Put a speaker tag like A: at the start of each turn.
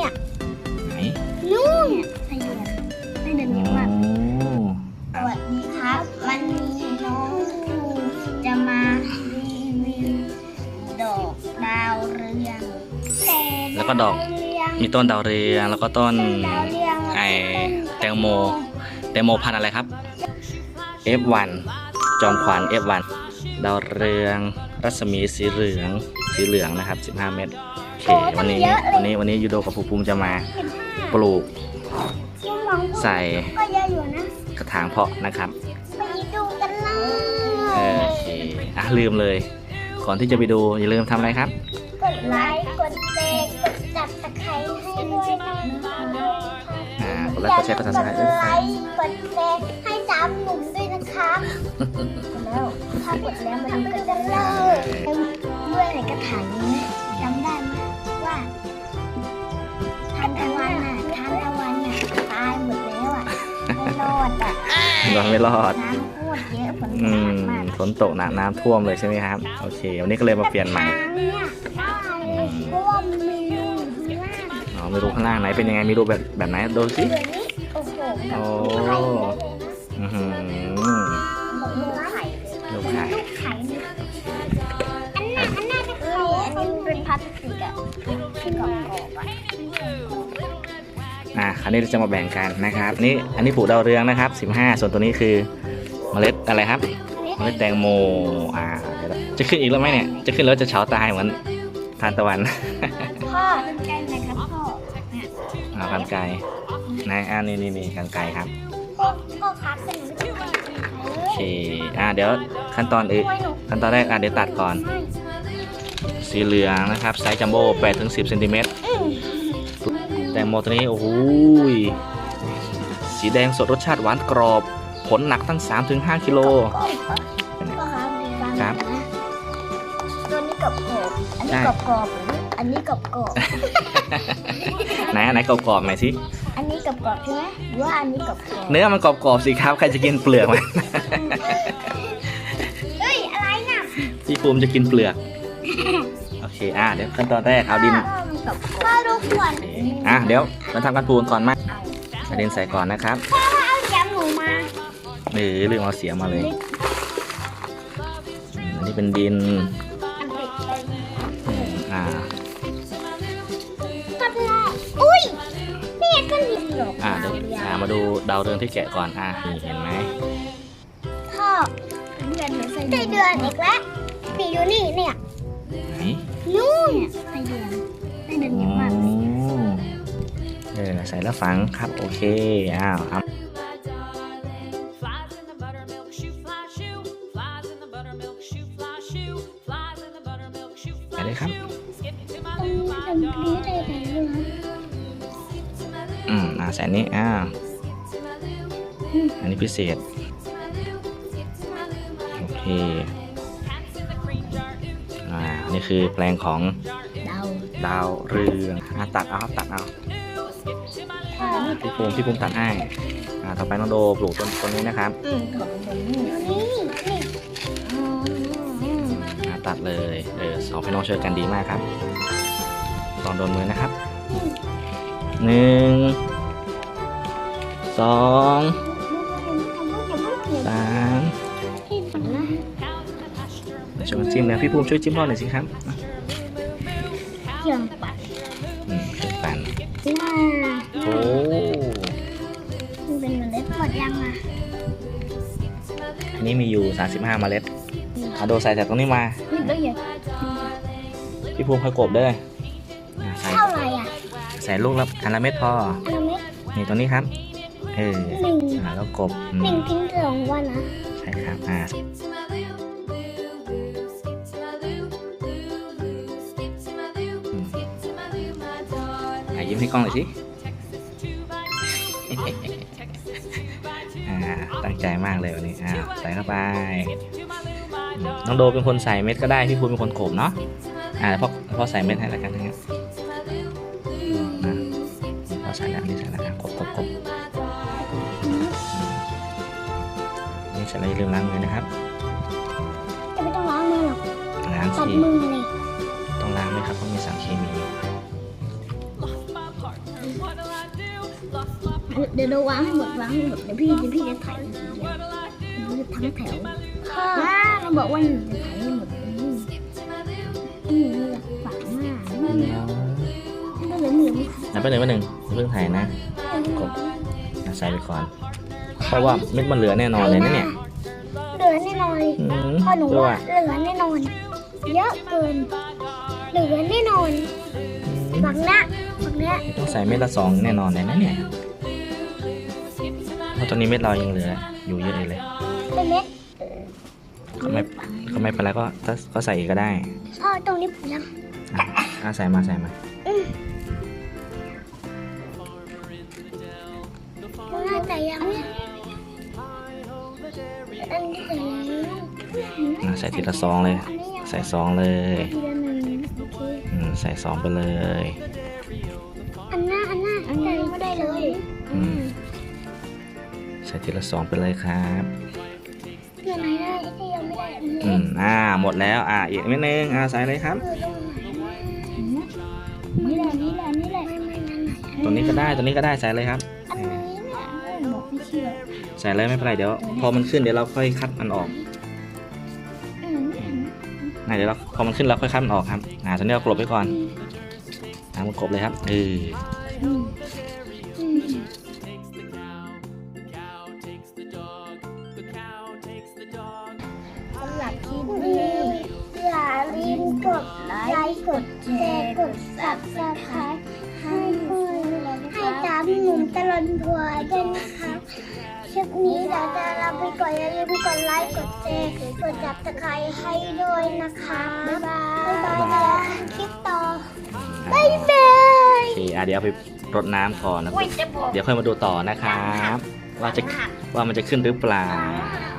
A: เนี่ย
B: ไหน
A: นู่นไส้เดือนเยอะมากสวัสดีครับวันนี้น้องจะมารีวิวดอกดาวเรือง
B: แล้วก็ดอกมีต้นดาวเรืองแล้วก็ต้นแตงโมพันธุ์อะไรครับ F1 จอมขวัญ F1 ดาวเรืองรัศมีสีเหลืองนะครับ15 เม็ดโอเควันนี้ยูโดกับภูมิจะมาปลูกใส่กระถางเพาะนะครับ
A: ไปดูกันเลย
B: โอเคลืมเลยก่อนที่จะไปดูอย่าลืมทำอะไรครับ
A: กดไลค์กดแชร์กดจับตะไคร้ให้ด้วยนะคะ
B: กดไลค์กดแชร์กด Subscribe ด้วย
A: กดไลค์กดแชร์ให้สามหนุ่มด้วยนะคะแล้วถ้ากดแล้วมันก็จะเลิกด้วยในกระถางนี้จำได้ไหมว่าทานตะวันน่ะตายหมดแล้วอ่ะไม่รอดอ่ะ
B: ไม่รอด
A: น้ำโคตรเยอะฝนตกมาก
B: ฝนตกหนักน้ำท่วมเลยใช่ไหมครับโอเควันนี้ก็เลยมาเปลี่ยนใหม่
A: เนี่ยได้เพราะว่ามันมีรูข้างล่าง
B: ไม่รู้ข้างล่างไหนเป็นยังไงมีรูแบบไหนดูสิ
A: เดี๋ยวนี้โอ้โหแบบ
B: อื้อหือ
A: ลูกไข่
B: ลูกไข่
A: ลูกไข่เนี่ยอันน่าจะไข่อันนี้มันเป็นพลาสติกอะที่กรอบๆอะ
B: คราวนี้เราจะมาแบ่งกันนะครับนี่อันนี้ปลูกดาวเรืองนะครับ15ส่วนตัวนี้คือเมล็ดอะไรครับเมล็ดแตงโมเดี๋ยวจะขึ้นอีกแล้วไหมเนี่ยจะขึ้นแล้วจะเฉาตายเหมือนทานตะวัน
A: พ่อเป็นไก่ไหมครับพ่อ
B: กันไกรนี่กันไกรครับ
A: พ่อครับเป็นหนูจะไป
B: โอเคเดี๋ยวขั้นตอนแรกเดี๋ยวตัดก่อนสีเหลืองนะครับไซส์จัมโบ้8-10 เซนติเมตรแตงโมตัวนี้โอ้โหสีแดงสดรสชาติหวานกรอบผลหนักตั้ง 3-5 กิโล
A: พ่อครับดีฟังนะตัวนี้กรอบๆอันนี้กรอบๆอันนี้กรอบๆ
B: ไหนกรอบๆหน่อยสิ
A: อันนี้กรอบๆใช่ไหมหรือว่าอันนี้กรอบๆ
B: เนื้อมันกรอบๆสิครับใครจะกินเปลือกมัน
A: เฮ้ยอะไรน่ะ
B: พี่ภูมิจะกินเปลือกโอเคเดี๋ยวขั้นตอนแรกเอาดิน
A: พ่อดูขวด
B: เดี๋ยวเราทำการปลูกก่อนมาเอาดินใส่ก่อนนะครับ
A: พ่อเอาแกมหนูมา
B: เรื่องเอาเสียมาเลยอันนี้เป็นดิน
A: อันติดไป
B: อ่า
A: ก็ได้อุ้ยนี่ก็ดินหรอก
B: เดี๋ยวมาดูดาวเรืองที่แกะก่อนนี่เห็นไหม
A: พ่อเดือนไส้เดือนอีกแล้วนี่ดูนี่เนี่ย
B: ไหน
A: นู่นไส้เดือนเยอะมาก
B: ใส่แล้วฝังครับโอเคครับไปเลยครับใส่นี้อันนี้พิเศษโอเคนี่คือแปลงของดาวเรืองตัดเอาพี่ภูมิตัดให้ต่อไปน้องโดปลูกต้นนี้นะครับตัดเลยสองพี่น้องช่วยกันดีมากครับลองโดนมือนะครับ1 2 3ช่วยจิ้มนะพี่ภูมิช่วยจิ้มรอบหน่อยสิครับ
A: เครื่องปั่น
B: เครื่องปั่น โอ้
A: มันเป็นเมล็ดหมดยังอ่ะ
B: อันนี้มีอยู่35 เมล็ดโดใส่จากตรงนี้มา
A: นี่เยอะ
B: พี่ภูมิค่อยกบด้วย
A: เท่าไหร่อ่ะ
B: ใส่ลูกละอันละเม็ดพอ
A: อันละเม็ด
B: นี่ตรงนี้ครับ
A: หนึ่ง
B: แล้วกบ
A: หนึ่งทิ้ง2 วันนะ
B: ใช่ครับยิ้มให้กล้องหน่อยสิ ตั้งใจมากเลยวันนี้ใส่เข้าไปน้องโดเป็นคนใส่เม็ดก็ได้พี่ภูมิเป็นคนโขมเนาะพ่อใส่เม็ดให้แล้วกันนะครับพ่อใส่แล้วนี่ใส่แล้วกบนี่เสร็จแล้วอย่าลืมล้างมือนะครับ
A: จะไม่ต้องล้างมือหรอก
B: ล้าง
A: ตัด
B: สิ
A: มือเลย
B: ต้องล้างไหมครับเพราะมีสารเคมี
A: เดี๋ยวเราวางให้หมดเดี๋ยวพี่จะถ่ายทีเดียวทั้งแถวเราบอกว่าจะถ่ายให้หมดฝังมากก็เลยมือ
B: นับไปหนึ่งเพิ่งถ่ายนะกดใส่ไปก่อนเพราะว่าเม็ดมันเหลือแน่นอนเลยนะเนี่ย
A: เหลือแน่นอนพ่อหนูว่าเหลือแน่นอนเยอะเกินเหลือแน่นอนฝังเนี้ย
B: ต้องใส่เม็ดละ2แน่นอนเลยนะเนี่ยเพราะตอนนี้เม็ดเรายังเหลืออยู่เยอะเลย
A: เป็นเม็ด
B: ก็ไม่เป็นไรก็ใส่อีกก็ได้
A: พ่อตรงนี้ผมยัง
B: ใส่มา
A: น่าจะยังเนี่ยอันนี้ใส่แล้ว
B: ใส่ทีละ2เลยใส่2เลย
A: ทีละหนึ่งโอเค
B: ใส่2ไปเลย
A: อันหน้าใส่ไม่ได้เลย
B: ใส่ทีละ2ไปเลยครับ
A: เพื่อนไหนได้ที่ยังไม่ได้
B: หมดแล้วอีกนิดนึงใส่เลยครับ
A: นี่แหละ
B: ตัวนี้ก็ได้ใส่เลยครับ
A: อันนี้เนี่ยบอกไม่เชื่อ
B: ใส่เลยไม่เป็นไรเดี๋ยวพอมันขึ้นเดี๋ยวเราค่อยคัดมันออกเดี๋ยวเราพอมันขึ้นเราค่อยคัดมันออกครับตอนนี้เรากลบไว้ก่อนมันกลบเลยครับ
A: สำหรับคลิปนี้อย่าลืมกดไลค์กดแชร์กด Subscribe ให้ตามหนุ่มตลอดทัวร์ด้วยนะคะคลิปนี้เราจะลาไปก่อนอย่าลืมกดไลค์กดแชร์กด Subscribe ให้ด้วยนะคะบ๊ายบายคลิปต่อบ๊ายบาย
B: โอเคเดี๋ยวไปรดน้ำก่อนนะเดี๋ยวค่อยมาดูต่อนะครับว่ามันจะขึ้นหรือเปล่า